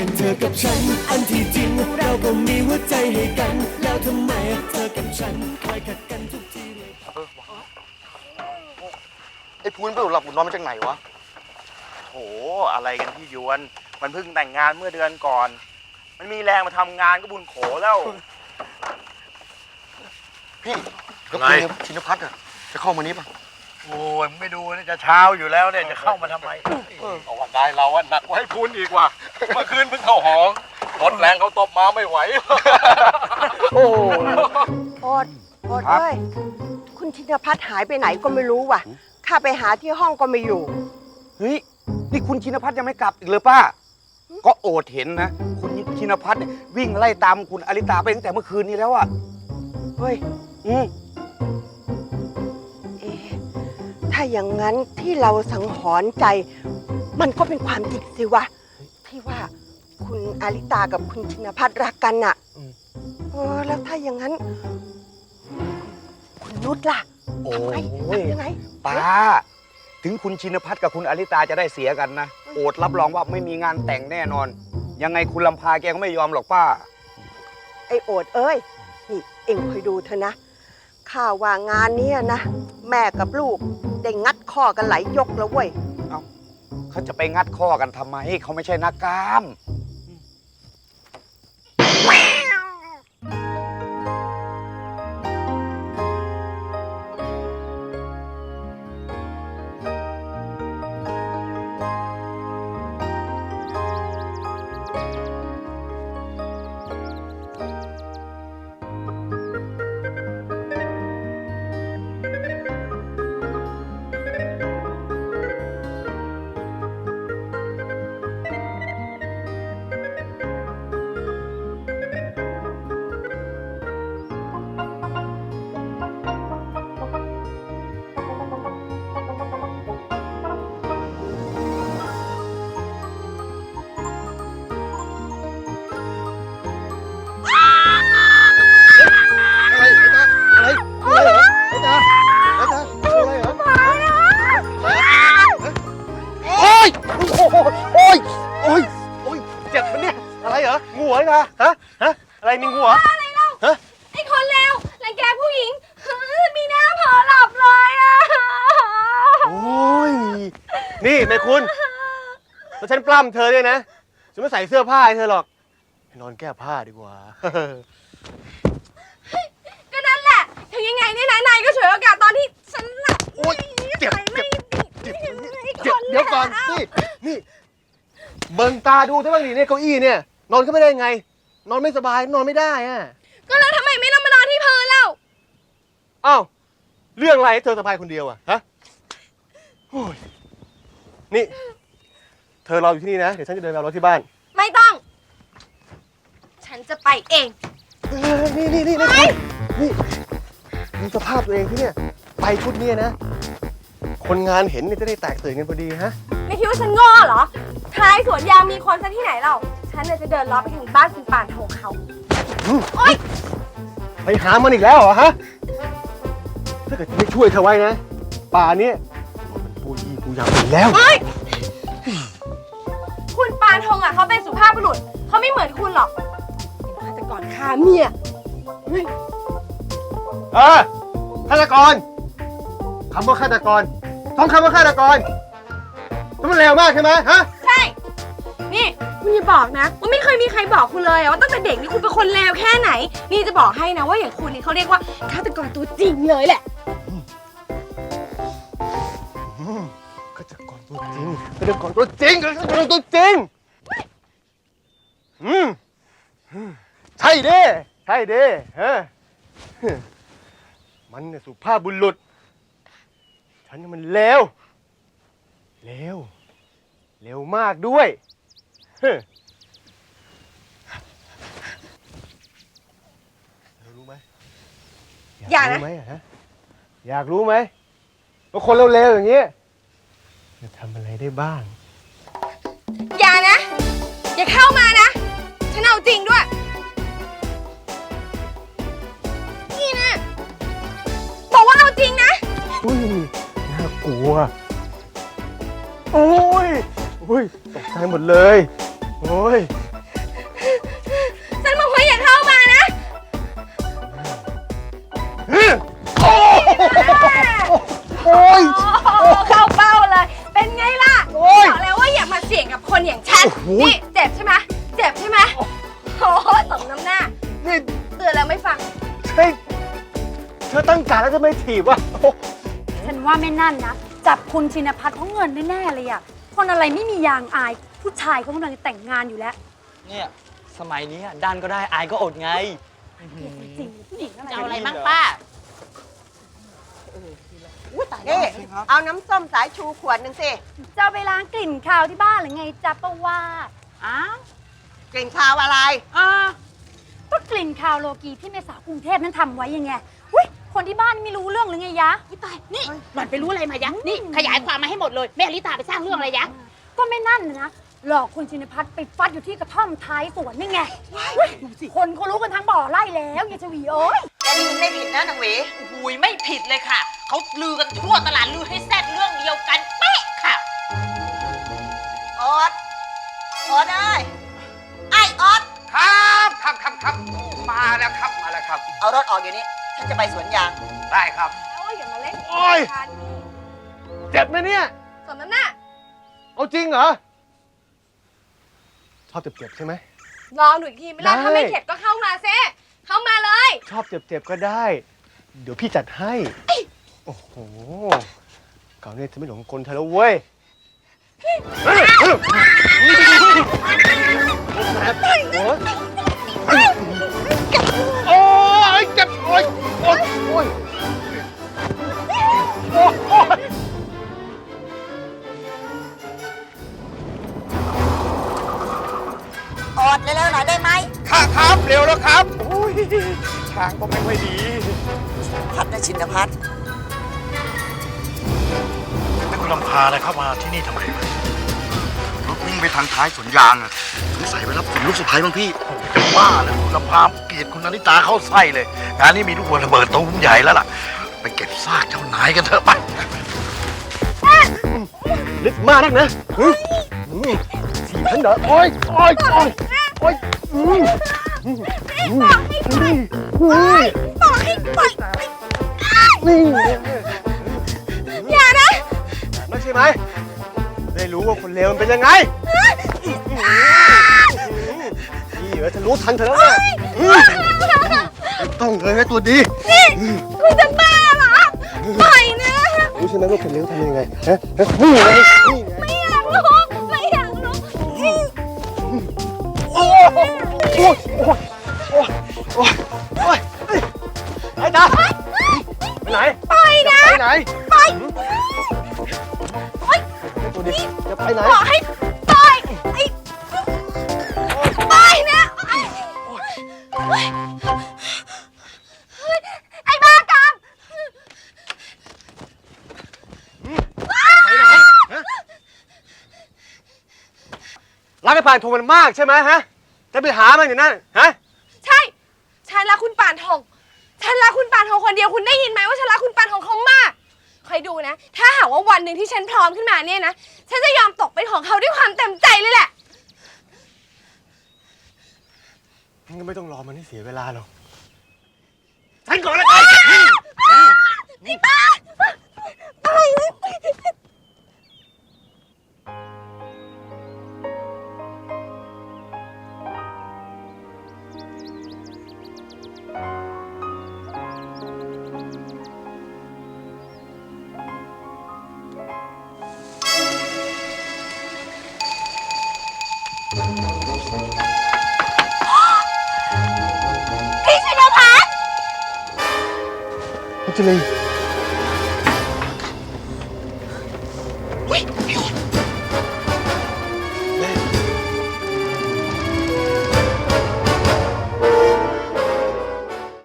กันเธอกับฉันอันที่จริงเราก็มีหัวใจให้กันแล้วทำไมเธอกับฉันคอยขัดกันทุกทีเลยไอ้พูนไปหลับอุ่นนอนมาจากไหนวะโหอะไรกันพี่ยวนมันเพิ่งแต่งงานเมื่อเดือนก่อนมันมีแรงมาทำงานก็บุญโขแล้วพี่แล้วคุณชินพัฒน์อะจะเข้ามานี้ปะโอ้ยไม่ดูนี่จะเช้าอยู่แล้วเนี่ยจะเข้ามาทำไมเอาวันได้เราอะหนักกว่าให้พูนอีกว่ะเมื่อคืนเพิ่งเข้าหองรถแรงเขาตบมาไม่ไหวโอ้โอดเอ้ยคุณชินพัฒน์หายไปไหนก็ไม่รู้ว่ะข้าไปหาที่ห้องก็ไม่อยู่เฮ้ยนี่คุณชินพัฒน์ยังไม่กลับอีกเลยป้าก็โอดเห็นนะคุณชินพัฒน์เนี่ยวิ่งไล่ตามคุณอลิตาไปตั้งแต่เมื่อคืนนี้แล้วอะเฮ้ยถ้าอย่างนั้นที่เราสังหรณ์ใจมันก็เป็นความจริงสิวะที่ว่าคุณอาริตากับคุณชินพัฒน์รักกันน่ะแล้วถ้าอย่างนั้นคุณนุชล่ะทำไงยังไงป้าถึงคุณชินพัฒน์กับคุณอลิตาจะได้เสียกันนะโอดรับรองว่าไม่มีงานแต่งแน่นอนยังไงคุณลำพาแกก็ไม่ยอมหรอกป้าไอ้โอดเอ้ยนี่เอ็งคอยดูเถอะนะข้าว่างานนี้นะแม่กับลูกได้งัดข้อกันหลายยกแล้วเว้ยเอ้าเขาจะไปงัดข้อกันทำไมเขาไม่ใช่นักกล้ามเจ็บมันเนี่ยอะไรเหรองูเหรอฮะอะไรมีงูเหรออะไรเล่าไอ้คนเลวรังแกผู้หญิงมีหน้าเผลอหลับเลยอ่ะโอ้ยนี่แม่คุณแล้วฉันปล้ำเธอด้วยนะฉันไม่ใส่เสื้อผ้าให้เธอหรอกไปนอนแก้ผ้าดีกว่าก็นั่นแหละถึงยังไงนี่นายก็ฉวยโอกาสตอนที่ฉันหลับโอ้ยเจ็บเดี๋ยวก่อนสินี่เบิ่งตาดูซะบ้างดิเนี่ยเก้าอี้เนี่ยนอนก็ไม่ได้ไงนอนไม่สบายนอนไม่ได้อะก็แล้วทำไมไม่นอนมานอนที่พื้นเล่าอ้าวเรื่องอะไรให้เธอสบายคนเดียวอะฮะโอ้ยนี่เธอรออยู่ที่นี่นะเดี๋ยวฉันจะเดินไปเอารถที่บ้านไม่ต้องฉันจะไปเองนี่ดูสภาพตัวเองที่เนี่ยไปชุดนี้นะคนงานเห็นเนี่ยจะได้แตกตื่นกันพอดีฮะไม่คิดว่าฉันโง่เหรอท้ายสวนยางมีคนซะที่ไหนเราฉันจะเดินล้อไปถึงบ้านคุณป่านโถเขาโอ๊ยไปหามันอีกแล้วเหรอฮะถ้าเกิดไม่ช่วยเธอไว้นะป่านี้มันปูยี่ปูยำไปแล้วคุณปานทงเขาเป็นสุภาพบุรุษเขาไม่เหมือนคุณหรอกเป็นฆาตกรฆ่าเมียฆาตกรคำว่าฆาตกรท่องคำว่าฆาตกรมันเร็วมากใช่ไหมฮะใช่นี่คุณอย่าบอกนะว่าไม่เคยมีใครบอกคุณเลยว่าตั้งแต่เด็กนี่คุณเป็นคนเลวแค่ไหนนี่จะบอกให้นะว่าอย่างคุณนี่เขาเรียกว่าฆาตกรตัวจริงเลยแหละฆาตกรตัวจริงฆาตกรตัวจริงฆาตกรตัวจริงใช่ดิฮะมันเนี่ยสุภาพบุรุษฉันนี่มันเลวมากด้วยรู้ไหมอยากรู้ไหมฮะอยากรู้ไหมว่าคนเลวๆอย่างนี้จะทำอะไรได้บ้างอย่านะอย่าเข้ามานะฉันเอาจริงด้วยนี่นะบอกว่าเอาจริงนะอุ้ยน่ากลัวโอ้ยตกใจหมดเลยโอ้ยโอ้โหนี่เจ็บใช่ไหมเจ็บใช่ไหมโอ้โหสมน้ำหน้านี่เตือนแล้วไม่ฟังใช่เธอตั้งการแล้วจะไม่ถีบวะโอ้โหฉันว่าแม่นั่นนะจับคุณชินพัฒน์เพราะเงินแน่ๆเลยอะคนอะไรไม่มียางอายผู้ชายเขากำลังจะแต่งงานอยู่แล้วเนี่ยสมัยนี้ดันก็ได้อายก็อดไงจริงผู้หญิงอะไรเอาอะไรมั่งป้านี่เอาน้ำส้มสายชูขวดหนึ่งสิจะเอาไปล้างกลิ่นคาวที่บ้านหรือไงจ๊ะป้าว่าดอ้าวกลิ่นคาวอะไรก็กลิ่นคาวโลกีที่แม่สาวกรุงเทพนั้นทำไว้ยังไงอุ้ยคนที่บ้านไม่รู้เรื่องหรือไงยะตาย นี่หล่อนไปรู้อะไรมายะ นี่ขยายความมาให้หมดเลย แม่ลิตาไปสร้างเรื่องอะไรยะก็ไม่นั่นนะหลอกคุณชินพัฒน์ไปฟัดอยู่ที่กระท่อมท้ายสวนนี่ไงอุ๊ยคนเขารู้กันทั้งบ่อไร่แล้วอย่าชวีโอ้ยแกนี่มันไม่ผิดนะนางหวีหุยไม่ผิดเลยค่ะ เขาลือกันทั่วตลาดลือให้แซดเรื่องเดียวกันเป๊ะค่ะออดออดได้ไอ้ออดครับมาแล้วครับมาแล้วครับเอารถออกเดี๋ยวนี้ ฉันจะไปสวนยางได้ครับโอ้ยอย่ามาเล่นโอ้ยกันนี่เจ็บไหมเนี่ยสมน้ำหน้าเอาจริงเหรอ ชอบเจ็บๆใช่ไหมลองดูอีกทีไม่ได้ได้ถ้าไม่เข็ดก็เข้ามาซิเข้ามาเลยชอบเจ็บๆก็ได้ เดี๋ยวพี่จัดให้ โอ้โหเก่าเนี่ยจะไม่หลงกลเธอแล้วเว้ยโอ้ยเจ็บโอ้ยโอ้ยโอ้ยโอ้ยออดเร็วๆหน่อยได้ไหมครับเร็วแล้วครับโอ้ยช้างก็ไม่ค่อยดีพัดนะชินพัฒน์แล้วคุณลำพาอะไรเข้ามาที่นี่ทำไมวะรถวิ่งไปทางท้ายสวนยางอะสงสัยไปรับลูกสะพ้ายบ้างพี่จะว่าเลยคุณลำพาเกลียดคุณนาริตาเข้าไส้เลย งานนี้มีลูกวัวระเบิดตูมใหญ่แล้วล่ะ ไปเก็บซากเจ้านายกันเถอะไปลึกมากนักนะถีบฉันเหรอโอ้ยโอ้ยโอ้ยโอ้ยนี่อย่านะไม่ใช่ไหม ได้รู้ว่าคนเลวมันเป็นยังไงนี่เออฉันรู้ทันเธอแล้วนะต้องเลยนะตัวดีคุณจะบ้าเหรอปล่อยนะรู้ใช่ไหมว่าคนเลวทำยังไงฮะนี่ไงนี่ไงไม่อยากรู้ไม่อยากรู้โอ้ยโอ้ยโอ้ยโอ้ยโอ้ยไอ้ตาไปไหนปล่อยนะไปไหนปล่อยตัวดีจะไปไหนบอกให้ปล่อยไอ้ปล่อยนะไอ้บ้ากามไปไหนฮะรักไอ้ปานโทมันมากใช่ไหมฮะ จะไปหามันอยู่นั่นฮะใช่ฉันรักคุณปานทองฉันรักคุณปานทองคนเดียวคุณได้ยินไหมว่าฉันรักคุณปานทองเขามากคอยดูนะ ถ้าหากว่าวันหนึ่งที่ฉันพร้อมขึ้นมาเนี่ยนะฉันจะยอมตกเป็นของเขาด้วยความเต็มใจเลยแหละงั้นก็ไม่ต้องรอมันให้เสียเวลาหรอก ฉันก่อนเลยไอ้บ้าไปเลย พี่ชินพัฒน์พัชรี